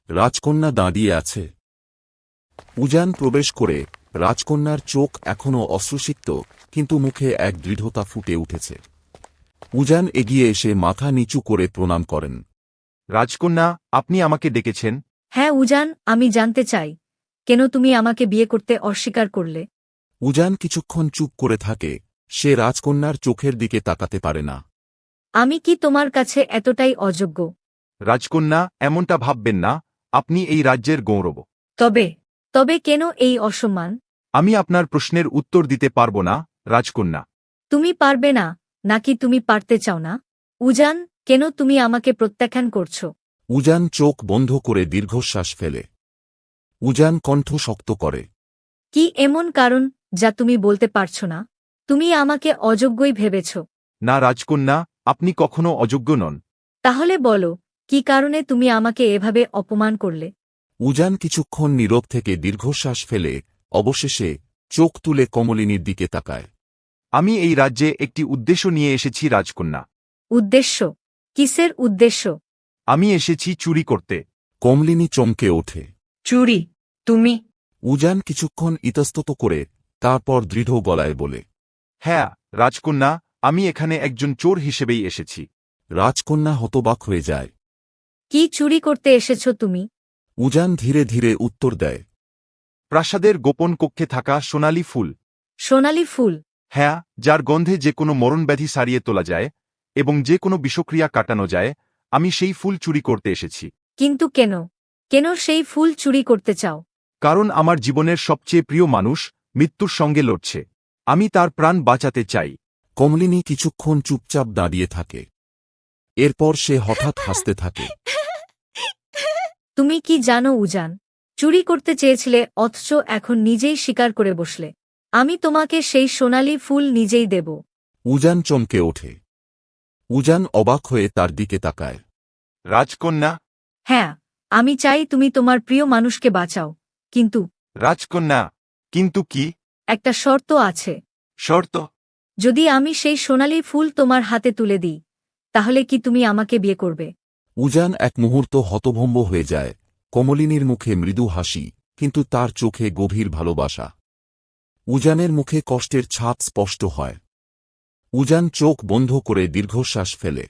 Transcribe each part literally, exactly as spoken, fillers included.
রাজকন্যা দাঁড়িয়ে আছে। উজান প্রবেশ করে রাজকন্যার চোখ এখনও অশ্রুসিক্ত, কিন্তু মুখে এক দৃঢ়তা ফুটে উঠেছে। উজান এগিয়ে এসে মাথা নিচু করে প্রণাম করেন। রাজকন্যা, আপনি আমাকে ডেকেছেন? হ্যাঁ উজান, আমি জানতে চাই কেন তুমি আমাকে বিয়ে করতে অস্বীকার করলে। উজান কিছুক্ষণ চুপ করে থাকে, সে রাজকন্যার চোখের দিকে তাকাতে পারে না। আমি কি তোমার কাছে এতটাই অযোগ্য? রাজকন্যা, এমনটা ভাববেন না, আপনি এই রাজ্যের গৌরব। তবে তবে কেন এই অসম্মান? আমি আপনার প্রশ্নের উত্তর দিতে পারব না, রাজকন্যা। তুমি পারবে না, নাকি তুমি পারতে চাও না? উজান, কেন তুমি আমাকে প্রত্যাখ্যান করছো? উজান চোখ বন্ধ করে দীর্ঘশ্বাস ফেলে। উজান কণ্ঠ শক্ত করে। কি এমন কারণ যা তুমি বলতে পারছো না? তুমি আমাকে অযোগ্যই ভেবেছ। না রাজকন্যা, আপনি কখনো অযোগ্য নন। তাহলে বলো, কি কারণে তুমি আমাকে এভাবে অপমান করলে? উজান কিছুক্ষণ নীরব থেকে দীর্ঘশ্বাস ফেলে অবশেষে চোখ তুলে কমলিনীর দিকে তাকায়। আমি এই রাজ্যে একটি উদ্দেশ্য নিয়ে এসেছি রাজকন্যা। উদ্দেশ্য? কিসের উদ্দেশ্য? আমি এসেছি চুরি করতে। কমলিনী চমকে ওঠে। চুরি? তুমি? উজান কিছুক্ষণ ইতস্তত করে তারপর দৃঢ় গলায় বলে, হ্যাঁ রাজকন্যা, আমি এখানে একজন চোর হিসেবেই এসেছি। রাজকন্যা হতবাক হয়ে যায়। কি চুরি করতে এসেছ তুমি? উজান ধীরে ধীরে উত্তর দেয়, প্রাসাদের গোপন কক্ষে থাকা সোনালি ফুল। সোনালি ফুল? হ্যাঁ, যার গন্ধে যে কোনো মরণব্যাধি সারিয়ে তোলা যায় এবং যে কোনো বিষক্রিয়া কাটানো যায়, আমি সেই ফুল চুরি করতে এসেছি। কিন্তু কেন? কেন সেই ফুল চুরি করতে চাও? কারণ আমার জীবনের সবচেয়ে প্রিয় মানুষ মৃত্যুর সঙ্গে লড়ছে। আমি তার প্রাণ বাঁচাতে চাই। কমলিনী কিছুক্ষণ চুপচাপ দাঁড়িয়ে থাকে। এরপর সে হঠাৎ হাসতে থাকে। তুমি কি জানো উজান, চুরি করতে চেয়েছিলে অথচ এখন নিজেই স্বীকার করে বসলে। আমি তোমাকে সেই সোনালি ফুল নিজেই দেব। উজান চমকে ওঠে। উজান অবাক হয়ে তার দিকে তাকায়। রাজকন্যা। হ্যাঁ, আমি চাই তুমি তোমার প্রিয় মানুষকে বাঁচাও, কিন্তু রাজকন্যা, কিন্তু কি? একটা শর্ত আছে। শর্ত? যদি আমি সেই সোনালি ফুল তোমার হাতে তুলে দিই, তাহলে কি তুমি আমাকে বিয়ে করবে? উজান এক মুহূর্ত হতভম্ব হয়ে যায়। কমলিনীর মুখে মৃদু হাসি, কিন্তু তার চোখে গভীর ভালোবাসা। উজানের মুখে কষ্টের ছাপ স্পষ্ট হয়। উজান চোখ বন্ধ করে দীর্ঘশ্বাস ফেলে।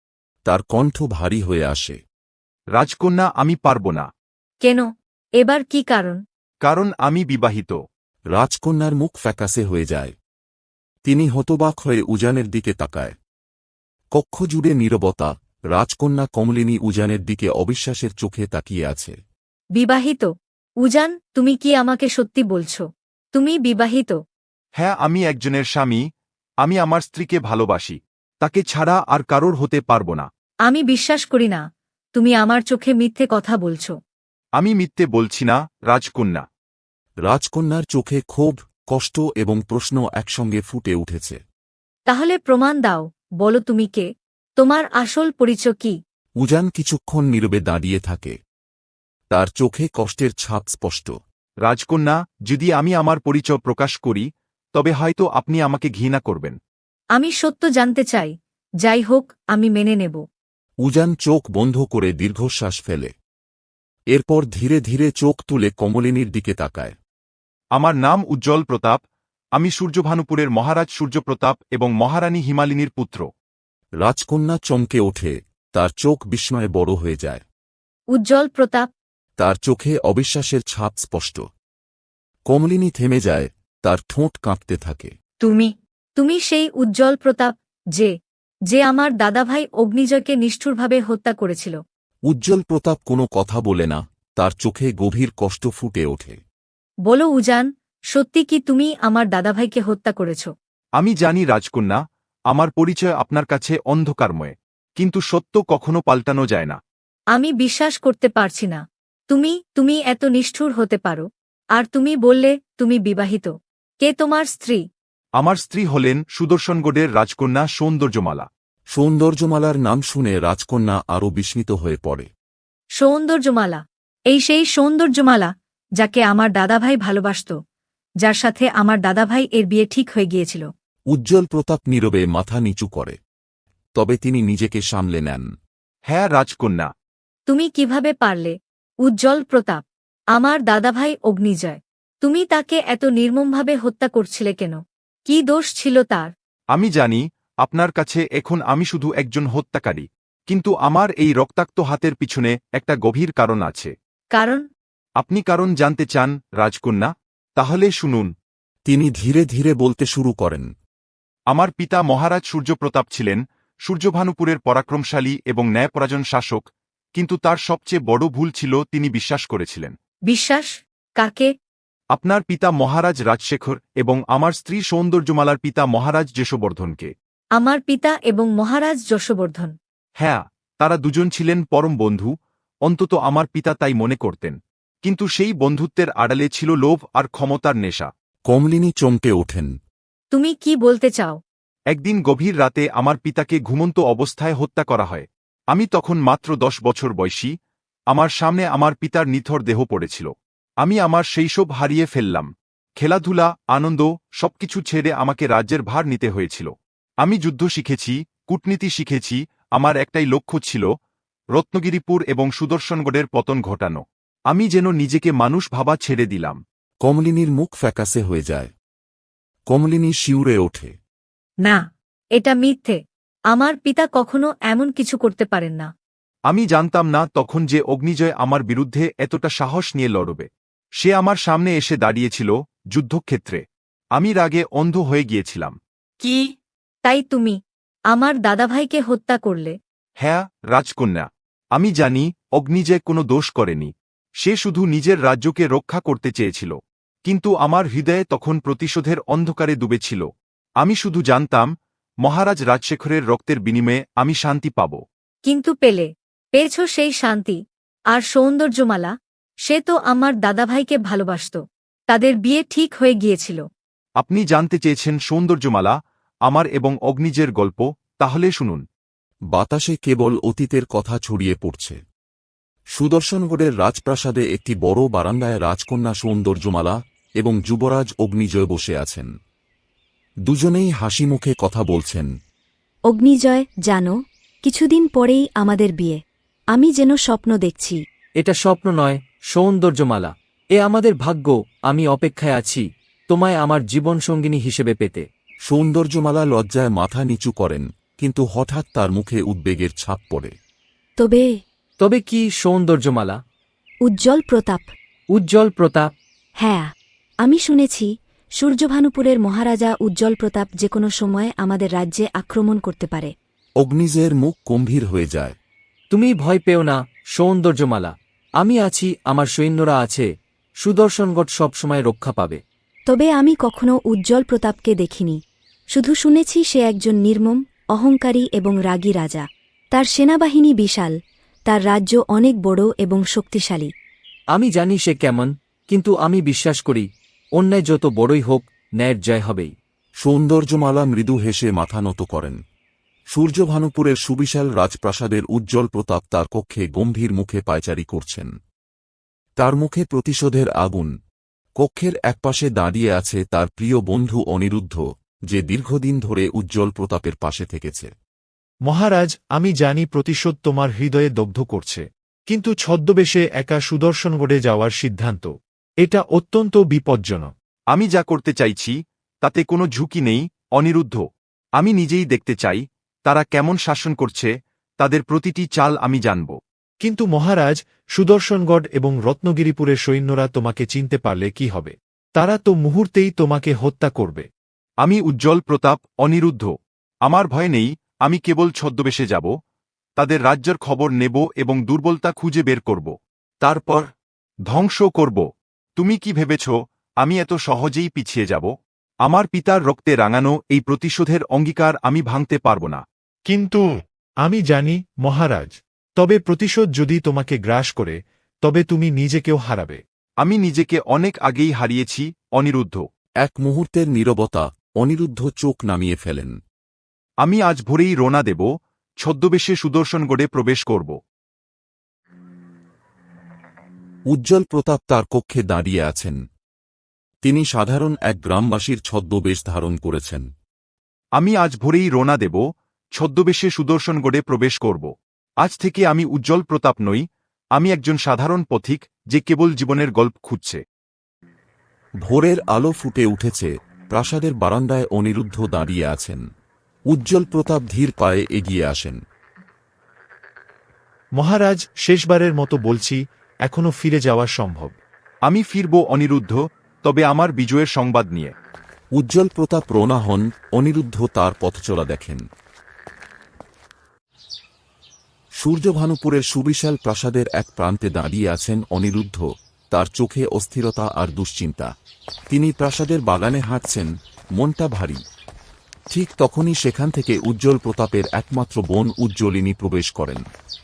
তার কণ্ঠ ভারী হয়ে আসে। রাজকন্যা, আমি পারব না। কেন? এবার কি কারণ? কারণ আমি বিবাহিত। রাজকন্যার মুখ ফ্যাকাসে হয়ে যায়। তিনি হতবাক হয়ে উজানের দিকে তাকায়। কক্ষ জুড়ে নীরবতা। রাজকন্যা কমলিনী উজানের দিকে অবিশ্বাসের চোখে তাকিয়ে আছে। বিবাহিত? উজান, তুমি কি আমাকে সত্যি বলছো? তুমি বিবাহিত? হ্যাঁ, আমি একজনের স্বামী। আমি আমার স্ত্রীকে ভালোবাসি। তাকে ছাড়া আর কারোর হতে পারব না। আমি বিশ্বাস করি না, তুমি আমার চোখে মিথ্যে কথা বলছো। আমি মিথ্যে বলছি না, রাজকন্যা। রাজকন্যার চোখে ক্ষোভ, কষ্ট এবং প্রশ্ন একসঙ্গে ফুটে উঠেছে। তাহলে প্রমাণ দাও, বলো তুমি কে? তোমার আসল পরিচয় কি? উজান কিছুক্ষণ নীরবে দাঁড়িয়ে থাকে। তার চোখে কষ্টের ছাপ স্পষ্ট। রাজকন্যা, যদি আমি আমার পরিচয় প্রকাশ করি, তবে হয়তো আপনি আমাকে ঘৃণা করবেন। আমি সত্য জানতে চাই। যাই হোক, আমি মেনে নেব। উজান চোখ বন্ধ করে দীর্ঘশ্বাস ফেলে। এরপর ধীরে ধীরে চোখ তুলে কমলিনীর দিকে তাকায়। আমার নাম উজ্জ্বল প্রতাপ। আমি সূর্যভানুপুরের মহারাজ সূর্যপ্রতাপ এবং মহারানী হিমালিনীর পুত্র। রাজকন্যা চমকে ওঠে, তার চোখ বিস্ময়ে বড় হয়ে যায়। উজ্জ্বল প্রতাপ? তার চোখে অবিশ্বাসের ছাপ স্পষ্ট। কমলিনী থেমে যায়, তার ঠোঁট কাঁপতে থাকে। তুমি তুমি সেই উজ্জ্বল প্রতাপ, যে যে আমার দাদাভাই অগ্নিজয়কে নিষ্ঠুরভাবে হত্যা করেছিল? উজ্জ্বল প্রতাপ কোনো কথা বলে না, তার চোখে গভীর কষ্ট ফুটে ওঠে। বলো উজান, সত্যি কি তুমি আমার দাদাভাইকে হত্যা করেছ? আমি জানি রাজকন্যা, আমার পরিচয় আপনার কাছে অন্ধকারময়, কিন্তু সত্য কখনো পাল্টানো যায় না। আমি বিশ্বাস করতে পারছি না। তুমি তুমি এত নিষ্ঠুর হতে পারো? আর তুমি বললে তুমি বিবাহিত। কে তোমার স্ত্রী? আমার স্ত্রী হলেন সুদর্শনগড়ের রাজকন্যা সৌন্দর্যমালা। সৌন্দর্যমালার নাম শুনে রাজকন্যা আরও বিস্মিত হয়ে পড়ে। সৌন্দর্যমালা? এই সেই সৌন্দর্যমালা যাকে আমার দাদাভাই ভালোবাসত, যার সাথে আমার দাদাভাই এর বিয়ে ঠিক হয়ে গিয়েছিল। উজ্জ্বল প্রতাপ নীরবে মাথা নিচু করে। তবে তিনি নিজেকে সামলে নেন। হ্যাঁ রাজকন্যা। তুমি কিভাবে পারলে? উজ্জ্বল প্রতাপ, আমার দাদাভাই অগ্নিজয়, তুমি তাকে এত নির্মমভাবে হত্যা করছিলে কেন? কি দোষ ছিল তার? আমি জানি আপনার কাছে এখন আমি শুধু একজন হত্যাকারী, কিন্তু আমার এই রক্তাক্ত হাতের পিছনে একটা গভীর কারণ আছে। কারণ? আপনি কারণ জানতে চান, রাজকন্যা? তাহলে শুনুন। তিনি ধীরে ধীরে বলতে শুরু করেন। আমার পিতা মহারাজ সূর্যপ্রতাপ ছিলেন সূর্যভানুপুরের পরাক্রমশালী এবং ন্যায়পরায়ণ শাসক, কিন্তু তার সবচেয়ে বড় ভুল ছিল তিনি বিশ্বাস করেছিলেন। বিশ্বাস? কাকে? আপনার পিতা মহারাজ রাজশেখর এবং আমার স্ত্রী সৌন্দর্যমালার পিতা মহারাজ যশোবর্ধনকে। আমার পিতা এবং মহারাজ যশোবর্ধন? হ্যাঁ, তারা দুজন ছিলেন পরম বন্ধু, অন্তত আমার পিতা তাই মনে করতেন। কিন্তু সেই বন্ধুত্বের আড়ালে ছিল লোভ আর ক্ষমতার নেশা। কমলিনী চমকে ওঠেন। তুমি কি বলতে চাও? একদিন গভীর রাতে আমার পিতাকে ঘুমন্ত অবস্থায় হত্যা করা হয়। আমি তখন মাত্র দশ বছর বয়সী। আমার সামনে আমার পিতার নিথর দেহ পড়েছিল। আমি আমার শৈশব হারিয়ে ফেললাম। খেলাধুলা, আনন্দ সবকিছু ছেড়ে আমাকে রাজ্যের ভার নিতে হয়েছিল। আমি যুদ্ধ শিখেছি, কূটনীতি শিখেছি, আমার একটাই লক্ষ্য ছিল রত্নগিরিপুর এবং সুদর্শনগড়ের পতন ঘটানো। আমি যেন নিজেকে মানুষ ভাবা ছেড়ে দিলাম। কমলিনীর মুখ ফ্যাকাসে হয়ে যায়। কমলিনী শিউরে ওঠে। না, এটা মিথ্যে। আমার পিতা কখনো এমন কিছু করতে পারেন না। আমি জানতাম না তখন যে অগ্নিজয় আমার বিরুদ্ধে এতটা সাহস নিয়ে লড়বে। সে আমার সামনে এসে দাঁড়িয়েছিল যুদ্ধক্ষেত্রে। আমি রাগে অন্ধ হয়ে গিয়েছিলাম। কি? তাই তুমি আমার দাদাভাইকে হত্যা করলে? হ্যাঁ, রাজকন্যা। আমি জানি অগ্নিজয় কোনো দোষ করেনি। সে শুধু নিজের রাজ্যকে রক্ষা করতে চেয়েছিল। কিন্তু আমার হৃদয়ে তখন প্রতিশোধের অন্ধকারে ডুবেছিল। আমি শুধু জানতাম মহারাজ রাজশেখরের রক্তের বিনিময়ে আমি শান্তি পাব। কিন্তু পেলে? পেয়েছ সেই শান্তি? আর সৌন্দর্যমালা, সে তো আমার দাদাভাইকে ভালোবাসত। তাদের বিয়ে ঠিক হয়ে গিয়েছিল। আপনি জানতে চেয়েছেন সৌন্দর্যমালা, আমার এবং অগ্নিজের গল্প, তাহলে শুনুন। বাতাসে কেবল অতীতের কথা ছড়িয়ে পড়ছে। সুদর্শনগড়ের রাজপ্রাসাদে একটি বড় বারান্দায় রাজকন্যা সৌন্দর্যমালা এবং যুবরাজ অগ্নিজয় বসে আছেন। দুজনেই হাসি মুখে কথা বলছেন। অগ্নিজয়, জানো, কিছুদিন পরেই আমাদের বিয়ে। আমি যেন স্বপ্ন দেখছি। এটা স্বপ্ন নয়, সৌন্দর্যমালা। এ আমাদের ভাগ্য। আমি অপেক্ষায় আছি তোমায় আমার জীবনসঙ্গিনী হিসেবে পেতে। সৌন্দর্যমালা লজ্জায় মাথা নিচু করেন, কিন্তু হঠাৎ তার মুখে উদ্বেগের ছাপ পড়ে। তবে তবে কি সৌন্দর্যমালা? উজ্জ্বল প্রতাপ? উজ্জ্বল প্রতাপ? হ্যাঁ, আমি শুনেছি সূর্যভানুপুরের মহারাজা উজ্জ্বল প্রতাপ যে কোনো সময় আমাদের রাজ্যে আক্রমণ করতে পারে। অগ্নিজয়ের মুখ গম্ভীর হয়ে যায়। তুমি ভয় পেও না সৌন্দর্যমালা। আমি আছি, আমার সৈন্যরা আছে। সুদর্শনগড় সবসময় রক্ষা পাবে। তবে আমি কখনো উজ্জ্বল প্রতাপকে দেখিনি। শুধু শুনেছি সে একজন নির্মম, অহংকারী এবং রাগী রাজা। তার সেনাবাহিনী বিশাল, তার রাজ্য অনেক বড় এবং শক্তিশালী। আমি জানি সে কেমন, কিন্তু আমি বিশ্বাস করি অন্যায় যত বড়ই হোক, ন্যায়ের জয় হবেই। সৌন্দর্যমালা মৃদু হেসে মাথা নত করেন। সূর্যভানুপুরের সুবিশাল রাজপ্রাসাদের উজ্জ্বল প্রতাপ তার কক্ষে গম্ভীর মুখে পায়চারি করছেন। তার মুখে প্রতিশোধের আগুন। কক্ষের একপাশে দাঁড়িয়ে আছে তার প্রিয় বন্ধু অনিরুদ্ধ, যে দীর্ঘদিন ধরে উজ্জ্বল প্রতাপের পাশে থেকেছে। মহারাজ, আমি জানি প্রতিশোধ তোমার হৃদয়ে দগ্ধ করছে, কিন্তু ছদ্মবেশে একা সুদর্শনগড়ে যাওয়ার সিদ্ধান্ত, এটা অত্যন্ত বিপজ্জনক। আমি যা করতে চাইছি তাতে কোনো ঝুঁকি নেই, অনিরুদ্ধ। আমি নিজেই দেখতে চাই তারা কেমন শাসন করছে, তাদের প্রতিটি চাল আমি জানব। কিন্তু মহারাজ, সুদর্শনগড় এবং রত্নগিরিপুরের সৈন্যরা তোমাকে চিনতে পারলে কি হবে? তারা তো মুহূর্তেই তোমাকে হত্যা করবে। আমি উজ্জ্বল প্রতাপ, অনিরুদ্ধ। আমার ভয় নেই। আমি কেবল ছদ্মবেশে যাব, তাদের রাজ্যের খবর নেব এবং দুর্বলতা খুঁজে বের করব। তারপর ধ্বংস করব। তুমি কি ভেবেছ আমি এত সহজেই পিছিয়ে যাব? আমার পিতার রক্তে রাঙানো এই প্রতিশোধের অঙ্গীকার আমি ভাঙতে পারব না। কিন্তু আমি জানি মহারাজ, তবে প্রতিশোধ যদি তোমাকে গ্রাস করে, তবে তুমি নিজেকেও হারাবে। আমি নিজেকে অনেক আগেই হারিয়েছি, অনিরুদ্ধ। এক মুহূর্তের নীরবতা। অনিরুদ্ধ চোখ নামিয়ে ফেলেন। আমি আজ ভোরেই রওনা দেব, ছদ্মবেশে সুদর্শনগড়ে প্রবেশ করব। উজ্জ্বল প্রতাপ তার কক্ষে দাঁড়িয়ে আছেন। তিনি সাধারণ এক গ্রামবাসীর ছদ্মবেশ ধারণ করেছেন। আমি আজ ভোরেই রওনা দেব, ছদ্মবেশে সুদর্শনগড়ে প্রবেশ করব। আজ থেকে আমি উজ্জ্বল প্রতাপ নই, আমি একজন সাধারণ পথিক যে কেবল জীবনের গল্প খুঁজছে। ভোরের আলো ফুটে উঠেছে, প্রাসাদের বারান্দায় অনিরুদ্ধ দাঁড়িয়ে আছেন। উজ্জ্বল প্রতাপ ধীর পায়ে এগিয়ে আসেন। মহারাজ, শেষবারের মতো বলছি, এখনো ফিরে যাওয়া সম্ভব। আমি ফিরব অনিরুদ্ধ, তবে আমার বিজয়ের সংবাদ নিয়ে। উজ্জ্বল প্রতাপ রওনা হন, অনিরুদ্ধ তার পথচলা দেখেন। সূর্যভানুপুরের সুবিশাল প্রাসাদের এক প্রান্তে দাঁড়িয়ে আছেন অনিরুদ্ধ, তার চোখে অস্থিরতা আর দুশ্চিন্তা। তিনি প্রাসাদের বাগানে হাঁটছেন, মনটা ভারী। ঠিক তখনই সেখান থেকে উজ্জ্বল প্রতাপের একমাত্র বোন উজ্জ্বলিনী প্রবেশ করেন।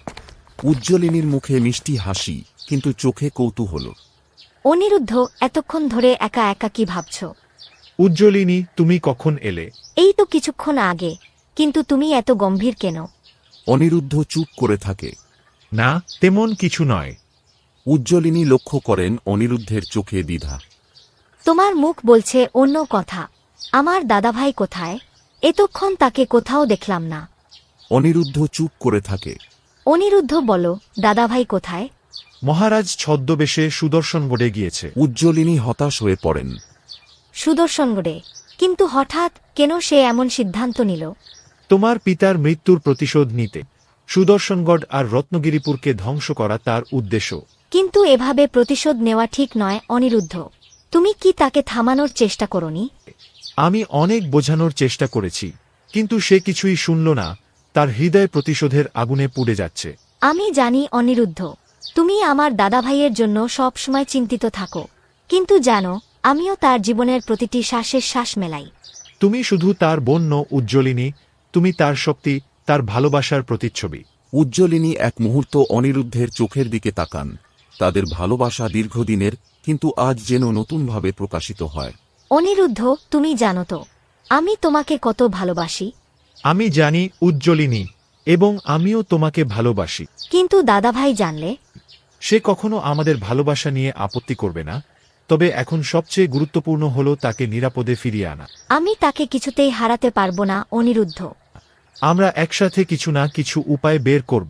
উজ্জ্বলিনীর মুখে মিষ্টি হাসি, কিন্তু চোখে কৌতূহল। অনিরুদ্ধ, এতক্ষণ ধরে একা একা কি ভাবছ? উজ্জ্বলিনী, তুমি কখন এলে? এই তো কিছুক্ষণ আগে, কিন্তু তুমি এত গম্ভীর কেন? অনিরুদ্ধ চুপ করে থাকে। না, তেমন কিছু নয়। উজ্জ্বলিনী লক্ষ্য করেন অনিরুদ্ধের চোখে দ্বিধা। তোমার মুখ বলছে অন্য কথা। আমার দাদাভাই কোথায়? এতক্ষণ তাকে কোথাও দেখলাম না। অনিরুদ্ধ চুপ করে থাকে। অনিরুদ্ধ, বলো, দাদাভাই কোথায়? মহারাজ ছদ্মবেশে সুদর্শনগড়ে গিয়েছে। উজ্জ্বলিনী হতাশ হয়ে পড়েন। সুদর্শনগড়ে? কিন্তু হঠাৎ কেন সে এমন সিদ্ধান্ত নিল? তোমার পিতার মৃত্যুর প্রতিশোধ নিতে। সুদর্শনগড় আর রত্নগিরিপুরকে ধ্বংস করা তার উদ্দেশ্য। কিন্তু এভাবে প্রতিশোধ নেওয়া ঠিক নয় অনিরুদ্ধ। তুমি কি তাকে থামানোর চেষ্টা করনি? আমি অনেক বোঝানোর চেষ্টা করেছি, কিন্তু সে কিছুই শুনল না। তার হৃদয় প্রতিশোধের আগুনে পুড়ে যাচ্ছে। আমি জানি অনিরুদ্ধ, তুমি আমার দাদাভাইয়ের জন্য সব সময় চিন্তিত থাকো, কিন্তু জানো, আমিও তার জীবনের প্রতিটি শ্বাসের শ্বাস মেলাই। তুমি শুধু তার বোন নও উজ্জ্বলিনী, তুমি তার শক্তি, তার ভালোবাসার প্রতিচ্ছবি। উজ্জ্বলিনী এক মুহূর্ত অনিরুদ্ধের চোখের দিকে তাকান। তাদের ভালোবাসা দীর্ঘদিনের, কিন্তু আজ যেন নতুনভাবে প্রকাশিত হয়। অনিরুদ্ধ, তুমি জানো তো আমি তোমাকে কত ভালোবাসি। আমি জানি উজ্জ্বলিনী, এবং আমিও তোমাকে ভালোবাসি। কিন্তু দাদাভাই জানলে? সে কখনো আমাদের ভালোবাসা নিয়ে আপত্তি করবে না, তবে এখন সবচেয়ে গুরুত্বপূর্ণ হল তাকে নিরাপদে ফিরিয়ে আনা। আমি তাকে কিছুতেই হারাতে পারবো না অনিরুদ্ধ। আমরা একসাথে কিছু না কিছু উপায় বের করব।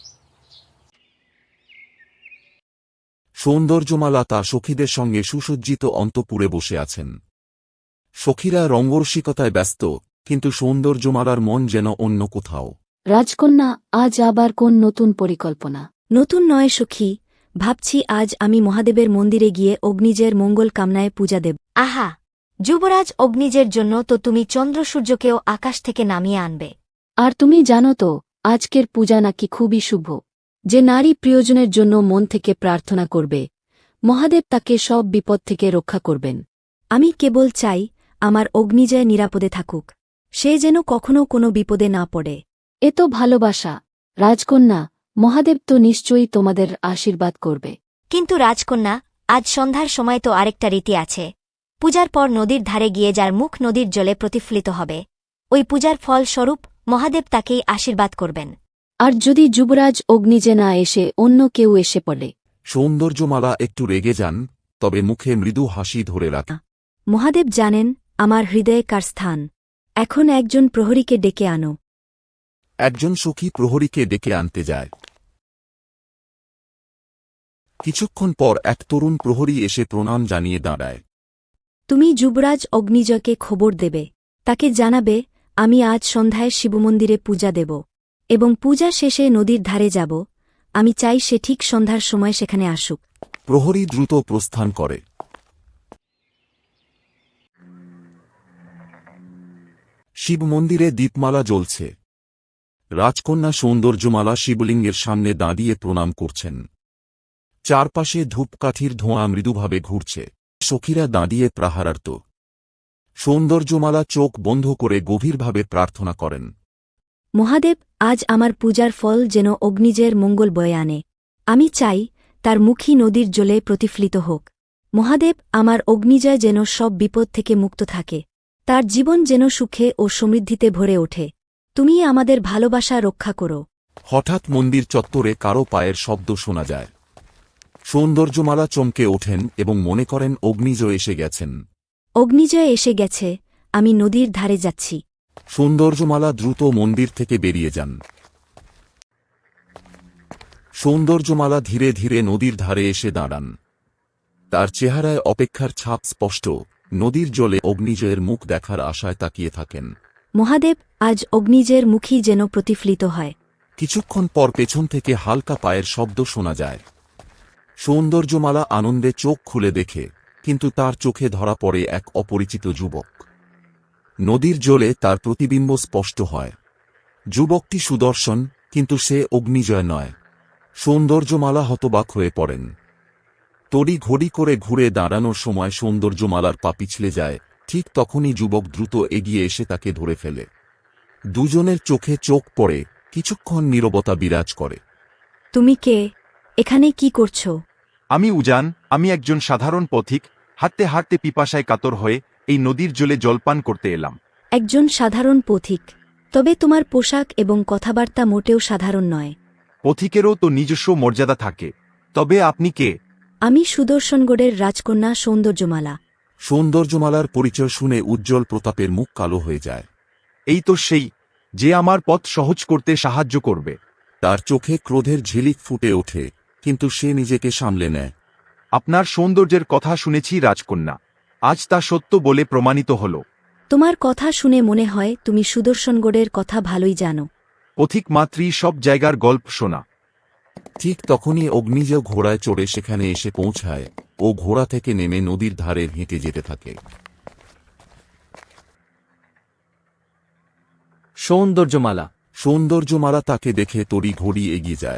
সৌন্দর্যমালা তার সখীদের সঙ্গে সুসজ্জিত অন্তঃপুরে বসে আছেন। সখীরা রঙ্গরসিকতায় ব্যস্ত, কিন্তু সৌন্দর্যমালার মন যেন অন্য কোথাও। রাজকন্যা, আজ আবার কোন নতুন পরিকল্পনা? নতুন নয় সখী, ভাবছি আজ আমি মহাদেবের মন্দিরে গিয়ে অগ্নিজের মঙ্গল কামনায় পূজা দেব। আহা, যুবরাজ অগ্নিজের জন্য তো তুমি চন্দ্র সূর্যকেও আকাশ থেকে নামিয়ে আনবে। আর তুমি জানো তো, আজকের পূজা নাকি খুবই শুভ। যে নারী প্রিয়জনের জন্য মন থেকে প্রার্থনা করবে, মহাদেব তাকে সব বিপদ থেকে রক্ষা করবেন। আমি কেবল চাই আমার অগ্নিজয় নিরাপদে থাকুক, সে যেন কখনো কোনো বিপদে না পড়ে। এ তো ভালোবাসা। রাজকন্যা, মহাদেব তো নিশ্চয়ই তোমাদের আশীর্বাদ করবে। কিন্তু রাজকন্যা, আজ সন্ধ্যার সময় তো আরেকটা রীতি আছে। পূজার পর নদীর ধারে গিয়ে যার মুখ নদীর জলে প্রতিফলিত হবে, ওই পূজার ফল স্বরূপ মহাদেব তাকেই আশীর্বাদ করবেন। আর যদি যুবরাজ অগ্নিজে না এসে অন্য কেউ এসে পড়ে? সৌন্দর্যমালা একটু রেগে যান, তবে মুখে মৃদু হাসি ধরে রাখেন। মহাদেব জানেন আমার হৃদয়ে কার স্থান। এখন একজন প্রহরীকে ডেকে আনো। একজন সখী প্রহরীকে ডেকে আনতে যায়। কিছুক্ষণ পর এক তরুণ প্রহরী এসে প্রণাম জানিয়ে দাঁড়ায়। তুমি যুবরাজ অগ্নিজয়কে খবর দেবে, তাকে জানাবে আমি আজ সন্ধ্যায় শিবমন্দিরে পূজা দেব, এবং পূজা শেষে নদীর ধারে যাব। আমি চাই সে ঠিক সন্ধ্যার সময় সেখানে আসুক। প্রহরী দ্রুত প্রস্থান করে। শিব মন্দিরে দীপমালা জ্বলছে। রাজকন্যা সৌন্দর্যমালা শিবলিঙ্গের সামনে দাঁড়িয়ে প্রণাম করছেন। চারপাশে ধূপকাঠির ধোঁয়া মৃদুভাবে ঘুরছে। সখীরা দাঁড়িয়ে প্রাহারার্ত। সৌন্দর্যমালা চোখ বন্ধ করে গভীরভাবে প্রার্থনা করেন। মহাদেব, আজ আমার পূজার ফল যেন অগ্নিজের মঙ্গল বয়ে আনে। আমি চাই তার মুখী নদীর জলে প্রতিফলিত হোক। মহাদেব, আমার অগ্নিজয় যেন সব বিপদ থেকে মুক্ত থাকে, তার জীবন যেন সুখে ও সমৃদ্ধিতে ভরে ওঠে। তুমি আমাদের ভালোবাসা রক্ষা করো। হঠাৎ মন্দির চত্বরে কারো পায়ের শব্দ শোনা যায়। সৌন্দর্যমালা চমকে ওঠেন এবং মনে করেন অগ্নিজয় এসে গেছেন। অগ্নিজয় এসে গেছে, আমি নদীর ধারে যাচ্ছি। সৌন্দর্যমালা দ্রুত মন্দির থেকে বেরিয়ে যান। সৌন্দর্যমালা ধীরে ধীরে নদীর ধারে এসে দাঁড়ান। তার চেহারায় অপেক্ষার ছাপ স্পষ্ট, নদীর জলে অগ্নিজয়ের মুখ দেখার আশায় তাকিয়ে থাকেন। মহাদেব আজ অগ্নিজের মুখী যেন প্রতিফলিত হয়। কিছুক্ষণ পর পেছন থেকে হালকা পায়ের শব্দ শোনা যায়। সৌন্দর্যমালা আনন্দে চোখ খুলে দেখে, কিন্তু তার চোখে ধরা পড়ে এক অপরিচিত যুবক। নদীর জলে তার প্রতিবিম্ব স্পষ্ট হয়। যুবকটি সুদর্শন, কিন্তু সে অগ্নিজয় নয়। সৌন্দর্যমালা হতবাক হয়ে পড়েন। তড়ি ঘড়ি করে ঘুরে দাঁড়ানোর সময় সৌন্দর্যমালার পা পিছলে যায়, ঠিক তখনই যুবক দ্রুত এগিয়ে এসে তাকে ধরে ফেলে। দুজনের চোখে চোখ পড়ে, কিছুক্ষণ নীরবতা বিরাজ করে। তুমি কে? এখানে কি করছো? আমি উজান, আমি একজন সাধারণ পথিক, হাঁটতে হাঁটতে পিপাসায় কাতর হয়ে এই নদীর জলে জলপান করতে এলাম। একজন সাধারণ পথিক? তবে তোমার পোশাক এবং কথাবার্তা মোটেও সাধারণ নয়। পথিকেরও তো নিজস্ব মর্যাদা থাকে। তবে আপনি কে? আমি সুদর্শনগড়ের রাজকন্যা সৌন্দর্যমালা। সৌন্দর্যমালার পরিচয় শুনে উজ্জ্বল প্রতাপের মুখ কালো হয়ে যায়। এই তো সেই, যে আমার পথ সহজ করতে সাহায্য করবে। তার চোখে ক্রোধের ঝিলিক ফুটে ওঠে, কিন্তু সে নিজেকে সামলে নেয়। আপনার সৌন্দর্যের কথা শুনেছি রাজকন্যা, আজ তা সত্য বলে প্রমাণিত হল। তোমার কথা শুনে মনে হয় তুমি সুদর্শনগড়ের কথা ভালোই জানো। পথিক মাত্রই সব জায়গার গল্প শোনা। ঠিক তখনই অগ্নিজয় ঘোড়ায় চড়ে সেখানে এসে পৌঁছায় ও ঘোড়া থেকে নেমে নদীর ধারে হেঁটে যেতে থাকে। সৌন্দর্যমালা সৌন্দর্যমালা তাকে দেখে তড়ি ঘড়ি এগিয়ে যায়।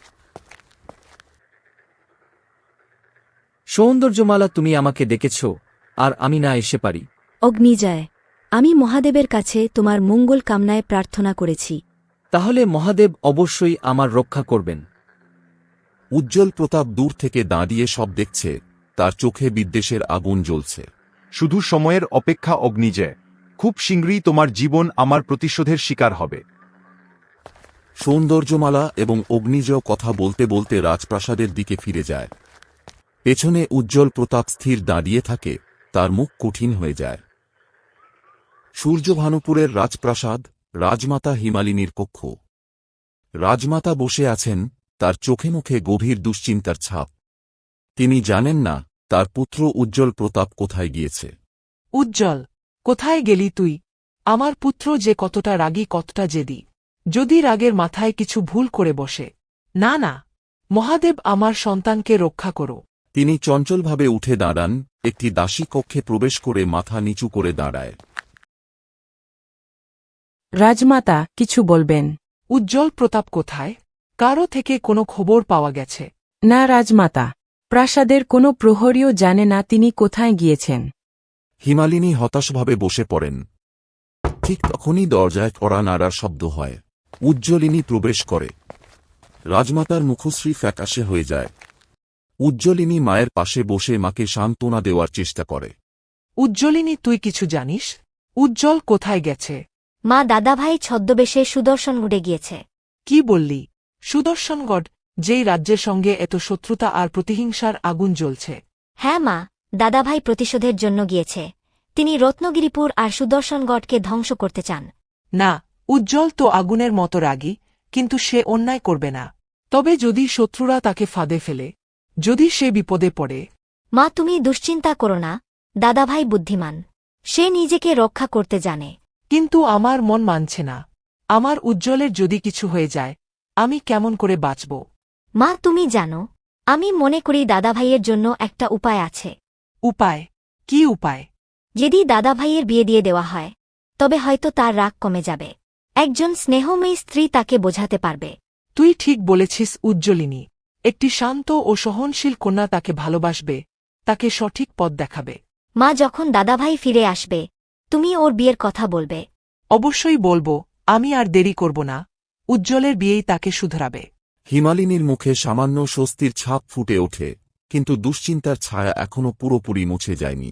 সৌন্দর্যমালা, তুমি আমাকে ডেকেছ, আর আমি না এসে পারি? অগ্নিজয়, আমি মহাদেবের কাছে তোমার মঙ্গল কামনায় প্রার্থনা করেছি। তাহলে মহাদেব অবশ্যই আমার রক্ষা করবেন। উজ্জ্বল প্রতাপ দূর থেকে দাঁড়িয়ে সব দেখছে, তার চোখে বিদ্বেষের আগুন জ্বলছে। শুধু সময়ের অপেক্ষা অগ্নিজয়, খুব শীঘ্রই তোমার জীবন আমার প্রতিশোধের শিকার হবে। সৌন্দর্যমালা এবং অগ্নিজয় কথা বলতে বলতে রাজপ্রাসাদের দিকে ফিরে যায়। পেছনে উজ্জ্বল প্রতাপ স্থির দাঁড়িয়ে থাকে, তার মুখ কঠিন হয়ে যায়। সূর্যভানুপুরের রাজপ্রাসাদ, রাজমাতা হিমালিনীর কক্ষ। রাজমাতা বসে আছেন, তার চোখে মুখে গভীর দুশ্চিন্তার ছাপ। তিনি জানেন না তার পুত্র উজ্জ্বল প্রতাপ কোথায় গিয়েছে। উজ্জ্বল, কোথায় গেলি তুই? আমার পুত্র যে কতটা রাগী, কতটা জেদি। যদি রাগের মাথায় কিছু ভুল করে বসে। না না, মহাদেব, আমার সন্তানকে রক্ষা করো। তিনি চঞ্চলভাবে উঠে দাঁড়ান, একটি দাসী কক্ষে প্রবেশ করে মাথা নিচু করে দাঁড়ায়। রাজমাতা, কিছু বলবেন? উজ্জ্বল প্রতাপ কোথায়? কারো থেকে কোনো খবর পাওয়া গেছে? না রাজমাতা, প্রাসাদের কোনো প্রহরীও জানে না তিনি কোথায় গিয়েছেন। হিমালিনী হতাশভাবে বসে পড়েন। ঠিক তখনই দরজায় কড়া নাড়ার শব্দ হয়। উজ্জ্বলিনী প্রবেশ করে। রাজমাতার মুখশ্রী ফ্যাকাশে হয়ে যায়। উজ্জ্বলিনী মায়ের পাশে বসে মাকে সান্ত্বনা দেওয়ার চেষ্টা করে। উজ্জ্বলিনী, তুই কিছু জানিস? উজ্জ্বল কোথায় গেছে? মা, দাদাভাই ছদ্মবেশে সুদর্শনগড়ে গিয়েছে। কি বললি? সুদর্শনগড়, যেই রাজ্যের সঙ্গে এত শত্রুতা আর প্রতিহিংসার আগুন জ্বলছে। হ্যাঁ মা, দাদাভাই প্রতিশোধের জন্য গিয়েছে। তিনি রত্নগিরিপুর আর সুদর্শনগড়কে ধ্বংস করতে চান। না, উজ্জ্বল তো আগুনের মতো রাগী, কিন্তু সে অন্যায় করবে না। তবে যদি শত্রুরা তাকে ফাঁদে ফেলে, যদি সে বিপদে পড়ে। মা, তুমি দুশ্চিন্তা করো না, দাদাভাই বুদ্ধিমান। সে নিজেকে রক্ষা করতে জানে। কিন্তু আমার মন মানছে না। আমার উজ্জ্বলের যদি কিছু হয়ে যায়, আমি কেমন করে বাঁচব? মা, তুমি জানো, আমি মনে করি দাদাভাইয়ের জন্য একটা উপায় আছে। উপায়? কি উপায়? যদি দাদাভাইয়ের বিয়ে দিয়ে দেওয়া হয়, তবে হয়তো তার রাগ কমে যাবে। একজন স্নেহময়ী স্ত্রী তাকে বোঝাতে পারবে। তুই ঠিক বলেছিস উজ্জ্বলিনী। একটি শান্ত ও সহনশীল কন্যা তাকে ভালোবাসবে, তাকে সঠিক পথ দেখাবে। মা, যখন দাদাভাই ফিরে আসবে, তুমি ওর বিয়ের কথা বলবে। অবশ্যই বলবো, আমি আর দেরি করব না। উজ্জ্বলের বিয়েই তাকে শুধরাবে। হিমালিনীর মুখে সামান্য স্বস্তির ছাপ ফুটে ওঠে, কিন্তু দুশ্চিন্তার ছায়া এখনও পুরোপুরি মুছে যায়নি।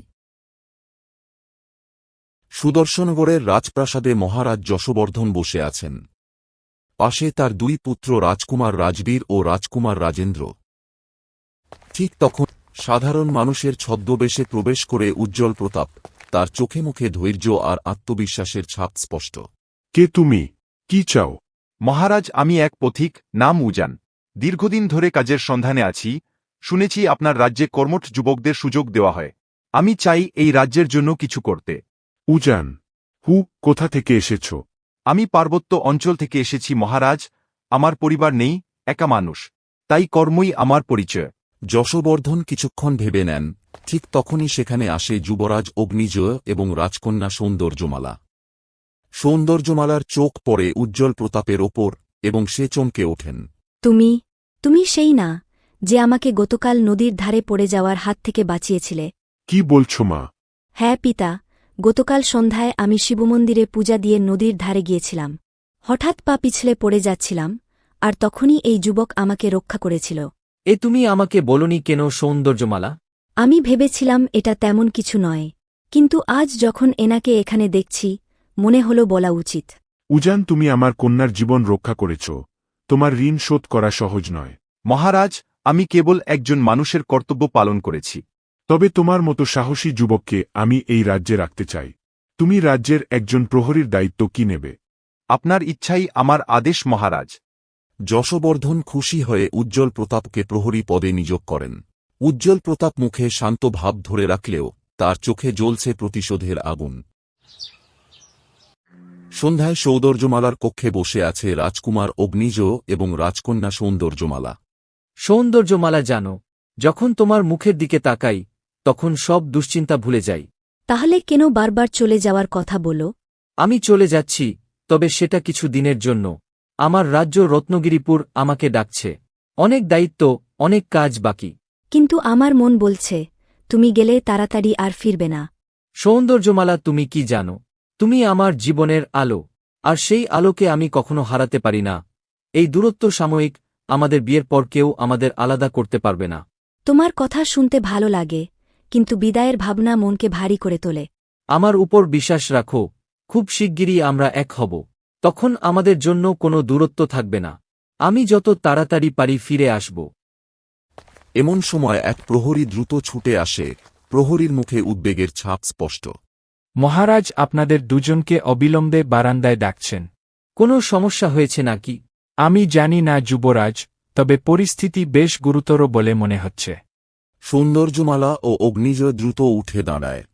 সুদর্শনগড়ের রাজপ্রাসাদে মহারাজ যশবর্ধন বসে আছেন। পাশে তার দুই পুত্র রাজকুমার রাজবীর ও রাজকুমার রাজেন্দ্র। ঠিক তখন সাধারণ মানুষের ছদ্মবেশে প্রবেশ করে উজ্জ্বল প্রতাপ, তার চোখে মুখে ধৈর্য আর আত্মবিশ্বাসের ছাপ স্পষ্ট। কে তুমি? কি চাও? মহারাজ, আমি এক পথিক, নাম উজান। দীর্ঘদিন ধরে কাজের সন্ধানে আছি, শুনেছি আপনার রাজ্যে কর্মঠ যুবকদের সুযোগ দেওয়া হয়। আমি চাই এই রাজ্যের জন্য কিছু করতে। উজান, হু, কোথা থেকে এসেছ? আমি পার্বত্য অঞ্চল থেকে এসেছি মহারাজ। আমার পরিবার নেই, একা মানুষ, তাই কর্মই আমার পরিচয়। যশবর্ধন কিছুক্ষণ ভেবে নেন, ঠিক তখনই সেখানে আসে যুবরাজ অগ্নিজয় এবং রাজকন্যা সৌন্দর্যমালা। সৌন্দর্যমালার চোখ পড়ে উজ্জ্বল প্রতাপের ওপর এবং সে চমকে ওঠেন। তুমি তুমি সেই না যে আমাকে গতকাল নদীর ধারে পড়ে যাওয়ার হাত থেকে বাঁচিয়েছিলে? কি বলছ মা? হ্যাঁ পিতা, গতকাল সন্ধ্যায় আমি শিবমন্দিরে পূজা দিয়ে নদীর ধারে গিয়েছিলাম। হঠাৎ পা পিছলে পড়ে যাচ্ছিলাম, আর তখনই এই যুবক আমাকে রক্ষা করেছিল। এ তুমি আমাকে বলনি কেন সৌন্দর্যমালা? আমি ভেবেছিলাম এটা তেমন কিছু নয়, কিন্তু আজ যখন এনাকে এখানে দেখছি মনে হল বলা উচিত। উজান, তুমি আমার কন্যার জীবন রক্ষা করেছ। তোমার ঋণ শোধ করা সহজ নয়। মহারাজ, আমি কেবল একজন মানুষের কর্তব্য পালন করেছি। তবে তোমার মতো সাহসী যুবককে আমি এই রাজ্যে রাখতে চাই। তুমি রাজ্যের একজন প্রহরীর দায়িত্ব কি নেবে? আপনার ইচ্ছাই আমার আদেশ মহারাজ। যশবর্ধন খুশি হয়ে উজ্জ্বল প্রতাপকে প্রহরী পদে নিযোগ করেন। উজ্জ্বল প্রতাপ মুখে শান্ত ভাব ধরে রাখলেও তার চোখে জ্বলছে প্রতিশোধের আগুন। সন্ধ্যায় সৌন্দর্যমালার কক্ষে বসে আছে রাজকুমার অগ্নিজ এবং রাজকন্যা সৌন্দর্যমালা। সৌন্দর্যমালা জানো, যখন তোমার মুখের দিকে তাকাই তখন সব দুশ্চিন্তা ভুলে যাই। তাহলে কেন বারবার চলে যাওয়ার কথা বলো? আমি চলে যাচ্ছি, তবে সেটা কিছু দিনের জন্য। আমার রাজ্য রত্নগিরিপুর আমাকে ডাকছে। অনেক দায়িত্ব, অনেক কাজ বাকি। কিন্তু আমার মন বলছে তুমি গেলে তাড়াতাড়ি আর ফিরবে না। সৌন্দর্যমালা, তুমি কি জানো, তুমি আমার জীবনের আলো, আর সেই আলোকে আমি কখনো হারাতে পারি না। এই দূরত্ব সাময়িক, আমাদের বিয়ের পর কেউ আমাদের আলাদা করতে পারবে না। তোমার কথা শুনতে ভালো লাগে, কিন্তু বিদায়ের ভাবনা মনকে ভারী করে তোলে। আমার উপর বিশ্বাস রাখো, খুব শিগগিরই আমরা এক হব। তখন আমাদের জন্য কোনো দূরত্ব থাকবে না। আমি যত তাড়াতাড়ি পারি ফিরে আসব। এমন সময় এক প্রহরী দ্রুত ছুটে আসে। প্রহরীর মুখে উদ্বেগের ছাপ স্পষ্ট। মহারাজ আপনাদের দুজনকে অবিলম্বে বারান্দায় ডাকছেন। কোনো সমস্যা হয়েছে নাকি? আমি জানি না যুবরাজ, তবে পরিস্থিতি বেশ গুরুতর বলে মনে হচ্ছে। সৌন্দর্যমালা ও অগ্নিজয় দ্রুত উঠে দাঁড়ায়।